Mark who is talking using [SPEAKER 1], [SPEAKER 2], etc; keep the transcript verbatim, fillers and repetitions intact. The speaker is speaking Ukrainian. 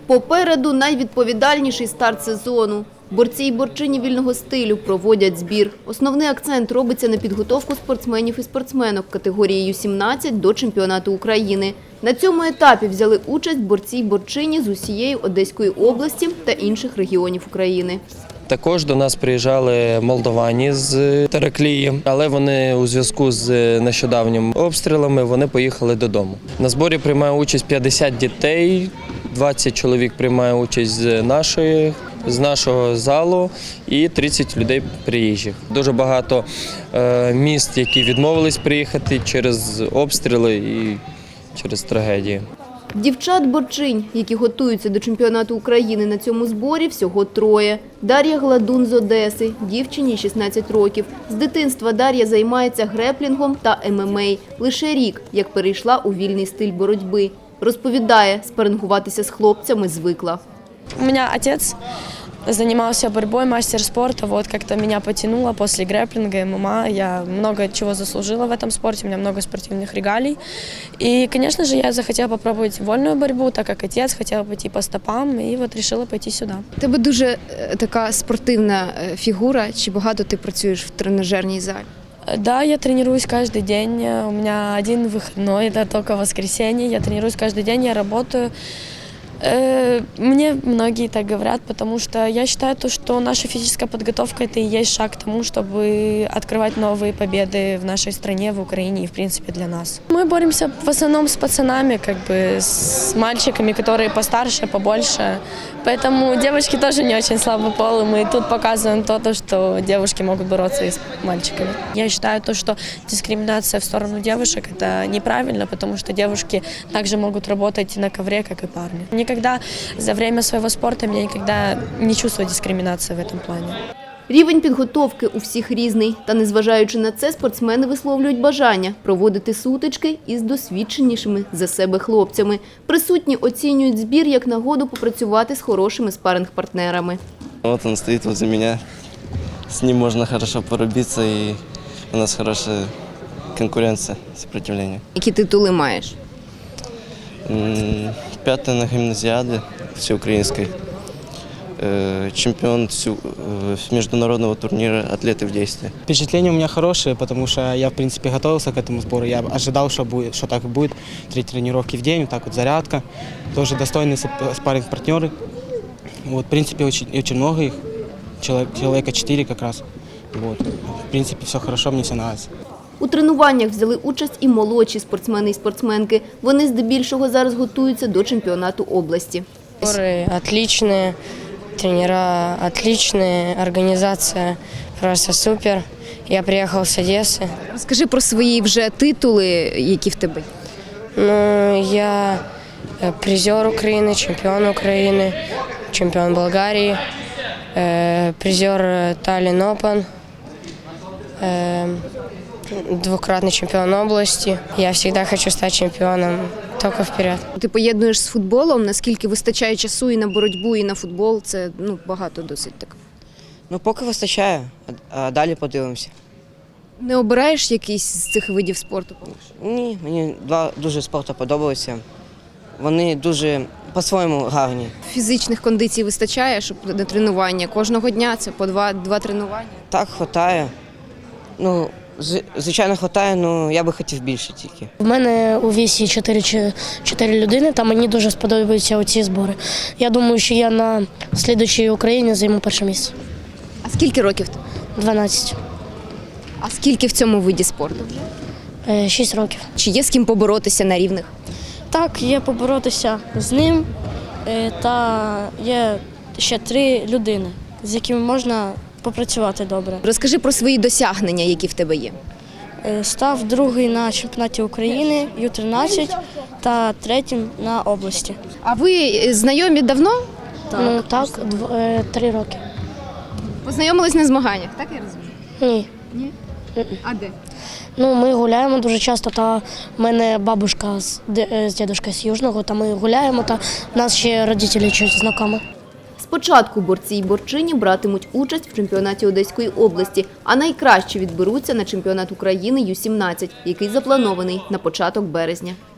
[SPEAKER 1] Попереду найвідповідальніший старт сезону. Борці і борчині вільного стилю проводять збір. Основний акцент робиться на підготовку спортсменів і спортсменок категорії Ю сімнадцять до чемпіонату України. На цьому етапі взяли участь борці і борчині з усієї Одеської області та інших регіонів України.
[SPEAKER 2] Також до нас приїжджали молдавані з Тераклії, але вони у зв'язку з нещодавніми обстрілами вони поїхали додому. На зборі приймає участь п'ятдесят дітей, двадцять чоловік приймає участь з нашої, з нашого залу і тридцять людей приїжджих. Дуже багато міст, які відмовились приїхати через обстріли і через трагедії.
[SPEAKER 1] Дівчат-борчинь, які готуються до чемпіонату України на цьому зборі, всього троє. Дар'я Гладун з Одеси, дівчині шістнадцять років. З дитинства Дар'я займається греплінгом та ем ем а. Лише рік, як перейшла у вільний стиль боротьби. Розповідає, спарингуватися з хлопцями звикла.
[SPEAKER 3] У меня отец занимался борьбой, мастер спорта. Вот как-то меня потянуло после грэпплинга, эм эм а. Я много чего заслужила в этом спорте, у меня много спортивных регалий. И, конечно же, я захотела попробовать вольную борьбу, так как отец хотел пойти по стопам, и вот решила пойти сюда.
[SPEAKER 1] У тебе дуже така спортивна фігура. Чи багато ти працюєш в тренажерній залі?
[SPEAKER 3] Да, я тренируюсь каждый день. У меня один выходной, это только воскресенье. Я тренируюсь каждый день, я работаю. Мне многие так говорят, потому что я считаю, что наша физическая подготовка – это и есть шаг к тому, чтобы открывать новые победы в нашей стране, в Украине и, в принципе, для нас. Мы боремся в основном с пацанами, как бы с мальчиками, которые постарше, побольше. Поэтому девочки тоже не очень слабый пол, и мы тут показываем то, что девушки могут бороться и с мальчиками. Я считаю, что дискриминация в сторону девушек – это неправильно, потому что девушки также могут работать на ковре, как и парни. Никогда за время своего спорта я никогда не чувствую дискриминации в этом плане.
[SPEAKER 1] Рівень підготовки у всіх різний. Та незважаючи на це, спортсмени висловлюють бажання проводити сутички із досвідченішими за себе хлопцями. Присутні оцінюють збір як нагоду попрацювати з хорошими спаринг-партнерами.
[SPEAKER 4] Вот он стоит возле меня. С ним можно хорошо порубиться, и у нас хорошая конкуренция, сопротивление.
[SPEAKER 1] Які титули маєш?
[SPEAKER 4] Пятая на гимназиаде всеукраинской. Чемпион международного турнира «Атлеты в действии».
[SPEAKER 5] Впечатления у меня хорошие, потому что я, в принципе, готовился к этому сбору. Я ожидал, что, будет, что так и будет. Три тренировки в день, вот так вот зарядка. Тоже достойные спарринг-партнеры. Вот, в принципе, очень, очень много их. Человек, человека четыре как раз. Вот. В принципе, все хорошо, мне все нравится.
[SPEAKER 1] У тренуваннях взяли участь і молодші спортсмени і спортсменки. Вони здебільшого зараз готуються до чемпіонату області.
[SPEAKER 6] Отличные, тренера отличные, организация просто супер. Я приехал с Одессы.
[SPEAKER 1] Розкажи про свої вже титули, які в тебе є.
[SPEAKER 6] Ну, я призер Украины, чемпион Украины, чемпион Болгарии, призер Tallinn Open, двукратный чемпион области. Я всегда хочу стать чемпионом, только вперед.
[SPEAKER 1] Ти поєднуєш з футболом, наскільки вистачає часу і на боротьбу, і на футбол, це ну, багато досить так.
[SPEAKER 7] Ну, поки вистачає, а далі подивимося.
[SPEAKER 1] Не обираєш якийсь з цих видів спорту?
[SPEAKER 7] Ні, мені два дуже спорти подобаються. Вони дуже по-своєму гарні.
[SPEAKER 1] Фізичних кондицій вистачає, щоб на тренування? Кожного дня це по два, два тренування?
[SPEAKER 7] Так, вистачає. Ну, звичайно, вистачає, але я би хотів більше тільки.
[SPEAKER 8] У мене у вісі чотири людини, та мені дуже сподобаються оці збори. Я думаю, що я на слідчій Україні займу перше місце.
[SPEAKER 1] А скільки років?
[SPEAKER 8] дванадцять.
[SPEAKER 1] А скільки в цьому виді спорту?
[SPEAKER 8] шість років.
[SPEAKER 1] Чи є з ким поборотися на рівних?
[SPEAKER 8] Так, є поборотися з ним, та є ще три людини, з якими можна попрацювати добре.
[SPEAKER 1] Розкажи про свої досягнення, які в тебе є.
[SPEAKER 8] Став другий на чемпіонаті України Ю тринадцять та третім на області.
[SPEAKER 1] А ви знайомі давно?
[SPEAKER 8] Так, ну, так дв... три роки.
[SPEAKER 1] Познайомились на змаганнях, так я розумію?
[SPEAKER 8] Ні.
[SPEAKER 1] Ні? А де?
[SPEAKER 8] Ну, ми гуляємо дуже часто, та в мене бабушка з, з дідушкою з Южного, та ми гуляємо, та в нас ще родителі чуть знайомі.
[SPEAKER 1] Спочатку борці й борчині братимуть участь в чемпіонаті Одеської області, а найкращі відберуться на чемпіонат України Ю сімнадцять, який запланований на початок березня.